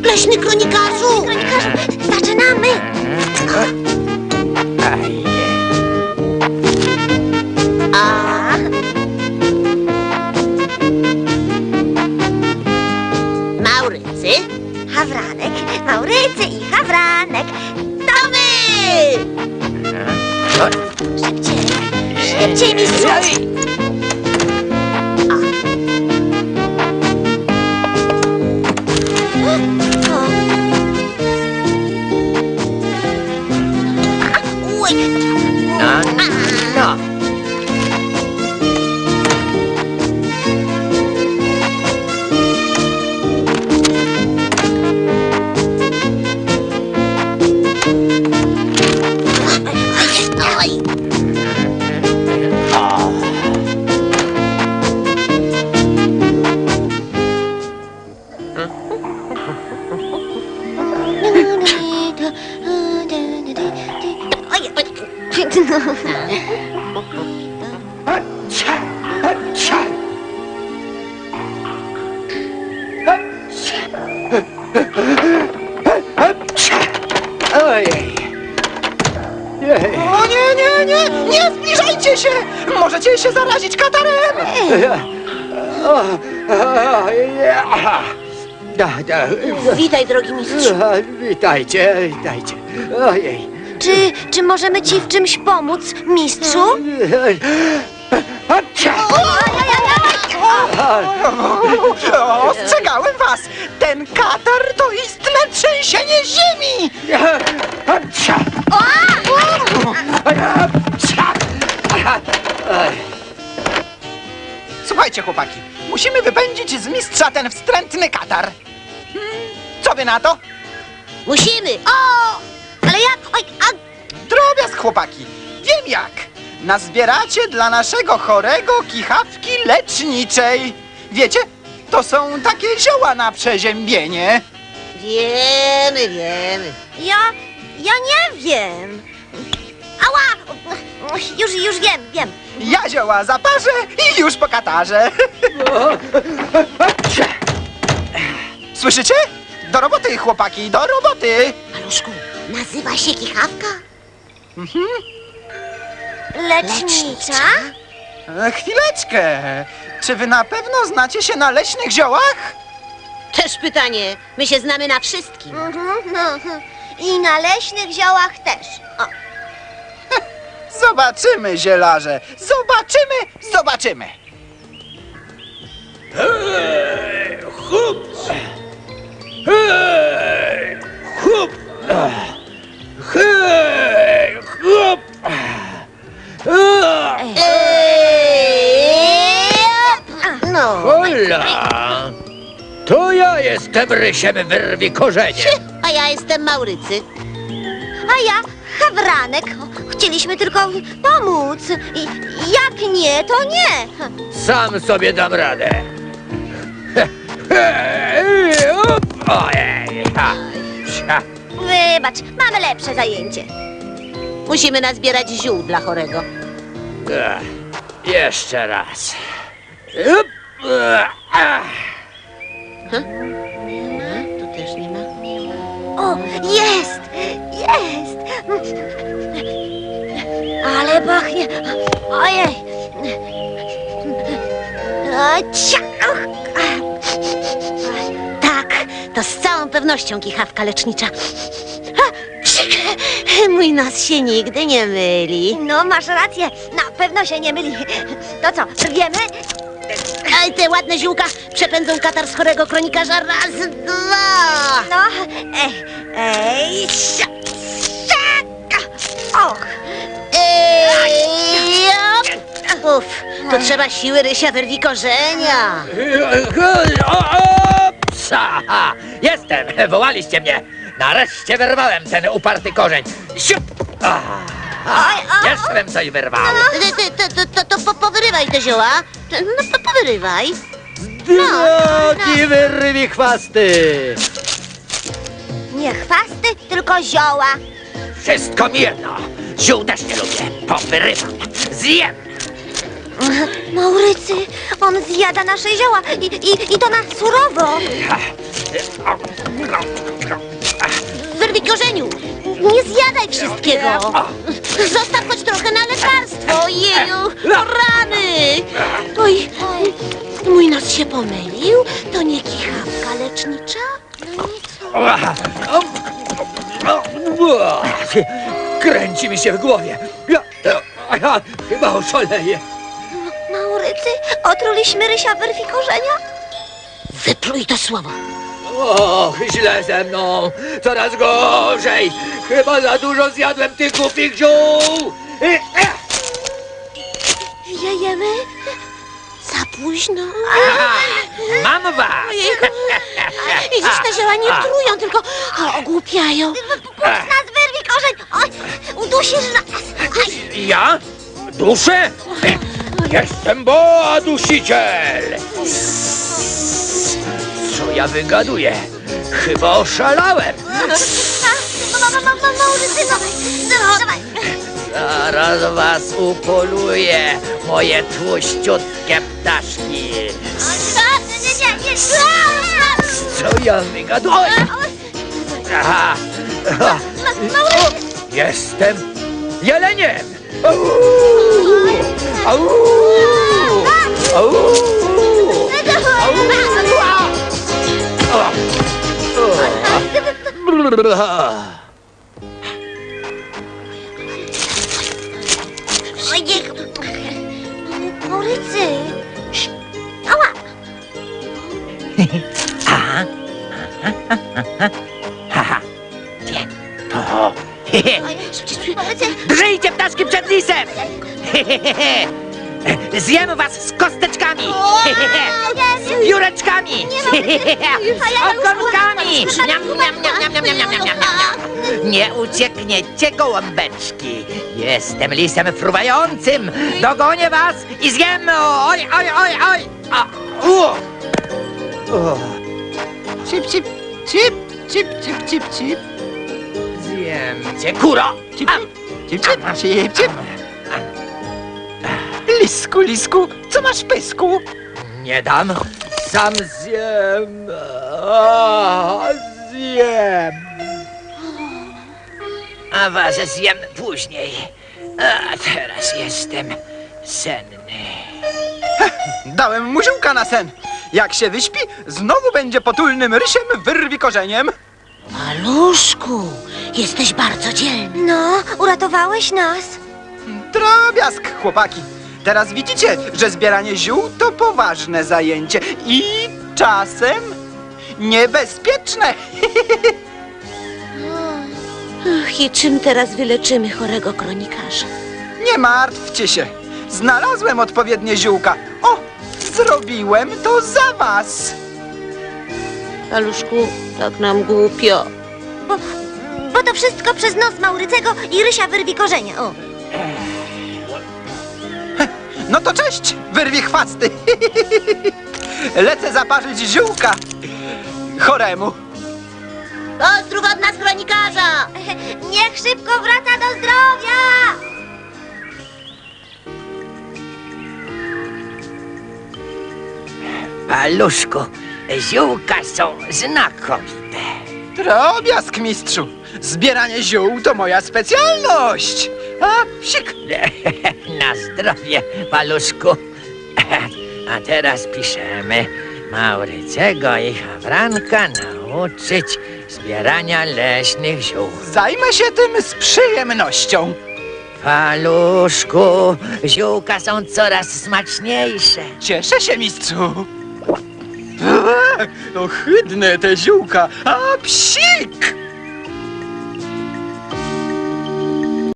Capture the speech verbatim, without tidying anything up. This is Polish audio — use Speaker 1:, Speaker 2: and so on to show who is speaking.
Speaker 1: Leśny kronikarzu!
Speaker 2: Kronikarzu, zaczynamy!
Speaker 1: A... Maurycy?
Speaker 2: Hawranek, Maurycy i Hawranek.
Speaker 1: To my!
Speaker 2: Szybciej, szybciej, mistrzu!
Speaker 1: Uj!
Speaker 3: No, no.
Speaker 1: Oj!
Speaker 2: Oj, oj.
Speaker 3: Ojej. Jej.
Speaker 4: O nie, nie, nie! Nie zbliżajcie się! Możecie się zarazić katarem!
Speaker 3: O, o, ja. Da, da.
Speaker 1: Witaj, drogi mistrzu.
Speaker 3: Witajcie, witajcie. Ojej.
Speaker 2: Czy, czy możemy ci w czymś pomóc, mistrzu?
Speaker 4: Ostrzegałem was! Ten katar to istne trzęsienie ziemi! Słuchajcie, chłopaki, musimy wypędzić z mistrza ten wstrętny katar. Hmm, co wy na to?
Speaker 1: Musimy!
Speaker 2: O! Ale jak? Oj, a...
Speaker 4: Drobiazg, chłopaki. Wiem jak. Nazbieracie dla naszego chorego kichawki leczniczej. Wiecie, to są takie zioła na przeziębienie.
Speaker 1: Wiemy, wiemy.
Speaker 2: Ja... ja nie wiem. Ała! Już, już wiem, wiem.
Speaker 4: Ja zioła zaparzę i już po katarze. Słyszycie? Do roboty, chłopaki, do roboty.
Speaker 1: Maluszku, nazywa się kichawka?
Speaker 2: Lecznicza?
Speaker 4: E, Chwileczkę. Czy wy na pewno znacie się na leśnych ziołach?
Speaker 1: Też pytanie. My się znamy na wszystkim.
Speaker 2: Mhm, no. I na leśnych ziołach też. O.
Speaker 4: Zobaczymy, zielarze. Zobaczymy, zobaczymy.
Speaker 3: Chup! Hej! Chup! Hej! Chup!
Speaker 1: No.
Speaker 3: Hola! To ja jestem rysiem wyrwi korzenie.
Speaker 1: A ja jestem Maurycy.
Speaker 2: A ja, Hawranek. Chcieliśmy tylko pomóc. I jak nie, to nie.
Speaker 3: Sam sobie dam radę. Hej! Up! Ojej! Ha! Sia!
Speaker 2: Wybacz, mamy lepsze zajęcie.
Speaker 1: Musimy nazbierać ziół dla chorego.
Speaker 3: Ech, jeszcze raz. Up! Ech, ach.
Speaker 1: Nie ma? Tu też nie ma.
Speaker 2: O, jest! Jest! Ale pachnie! Ojej! A, cia!
Speaker 1: Tak, to z całą pewnością kichawka lecznicza. Ha, psik! Mój nos się nigdy nie myli.
Speaker 2: No, masz rację, na pewno się nie myli. To co, wiemy?
Speaker 1: Aj, te ładne ziółka przepędzą katar z chorego kronikarza raz, dwa.
Speaker 2: No, ej, ej, sia, siaka! Och!
Speaker 1: Ej, jop. Uf, to trzeba siły rysia wyrwi korzenia.
Speaker 3: O, o, psa! Ha! Jestem! Wołaliście mnie! Nareszcie wyrwałem ten uparty korzeń! Siup! Ah, ah, jeszcze bym coś wyrwał!
Speaker 1: Ty, ty, ty, to, to, to po, powyrywaj te zioła. No, po, powyrywaj.
Speaker 3: Drogi wyrwi chwasty!
Speaker 2: Nie chwasty, tylko zioła.
Speaker 3: Wszystko mi jedno! Ziół też nie lubię! Powyrywam! Zjem!
Speaker 2: Maurycy, on zjada nasze zioła i, i, i to na surowo. Nie zjadaj wszystkiego.
Speaker 1: Zostaw choć trochę na lekarstwo. Ojeju, o rany. Oj, mój nos się pomylił. To nie kichawka lecznicza?
Speaker 3: Kręci mi się w głowie. Ja, ja, ja chyba oszaleję.
Speaker 2: Maurycy, otruliśmy Rysia wyrwi korzenia?
Speaker 1: Wypluj to słowo.
Speaker 3: Och, źle ze mną. Coraz gorzej. Chyba za dużo zjadłem tych głupich ziół. E, e.
Speaker 1: Wiejemy? Za późno.
Speaker 3: Mam was!
Speaker 1: Ojejku. Widzisz, te zioła nie trują, tylko o, ogłupiają.
Speaker 2: Puść nas, wyrwi korzeń! Oj, udusisz nas! Aj.
Speaker 3: Ja? Duszę? Jestem Boa Dusiciel! Co ja wygaduję? Chyba oszalałem!
Speaker 2: Ma, ma, ma, ma, Maurycy, dawaj, dawaj, dawaj.
Speaker 3: Zaraz was upoluję, moje tłuściutkie ptaszki!
Speaker 2: Nie, nie, nie, nie.
Speaker 3: Co ja wygaduję? Aha. O, jestem jeleniem! Au! Au! Au!
Speaker 2: Ojej. Maurycy. Ała.
Speaker 3: Haha. Nie. O.
Speaker 2: Maurycy.
Speaker 3: Drżyjcie ptaszki przed lisem! Zjem was z kosteczkami! Z pióreczkami! Z ogonkami! Niam, niam, niam, niam, niam, niam, niam, niam, niam, niam. Nie uciekniecie, gołąbeczki! Jestem lisem fruwającym! Dogonię was i zjem! Oj, oj, oj, oj! A, u. O,
Speaker 4: Cip, cip, cip, cip, cip, cip, cip.
Speaker 3: zjem cię, kuro!
Speaker 4: Cip,
Speaker 3: A,
Speaker 4: cip, cip, cip, cip. Lisku, lisku, co masz w pysku?
Speaker 3: nie dam! Sam zjem! A, zjem! A was zjem później. A teraz jestem senny.
Speaker 4: Dałem mu ziółka na sen. Jak się wyśpi, znowu będzie potulnym rysiem wyrwi korzeniem.
Speaker 1: Maluszku, jesteś bardzo dzielny.
Speaker 2: No, uratowałeś nas.
Speaker 4: Drobiazg, chłopaki. Teraz widzicie, że zbieranie ziół to poważne zajęcie i czasem niebezpieczne.
Speaker 1: Ach, i czym teraz wyleczymy chorego kronikarza?
Speaker 4: Nie martwcie się. Znalazłem odpowiednie ziółka. O, zrobiłem to za was.
Speaker 1: Maluszku, tak nam głupio.
Speaker 2: Bo, bo to wszystko przez nos Maurycego i Rysia wyrwi korzenia. O.
Speaker 4: No to cześć, wyrwi chwasty. Lecę zaparzyć ziółka choremu.
Speaker 1: Pozdrów od nas kronikarza!
Speaker 2: Niech szybko wraca do zdrowia!
Speaker 3: Paluszku, ziółka są znakomite.
Speaker 4: Drobiazg, mistrzu. Zbieranie ziół to moja specjalność. A, psik.
Speaker 3: Na zdrowie, paluszku. A teraz piszemy. Maurycego i Hawranka nauczyć zbierania leśnych ziół.
Speaker 4: Zajmę się tym z przyjemnością.
Speaker 3: Paluszku, ziółka są coraz smaczniejsze.
Speaker 4: Cieszę się, mistrzu. Ohydne te ziółka. A, psik.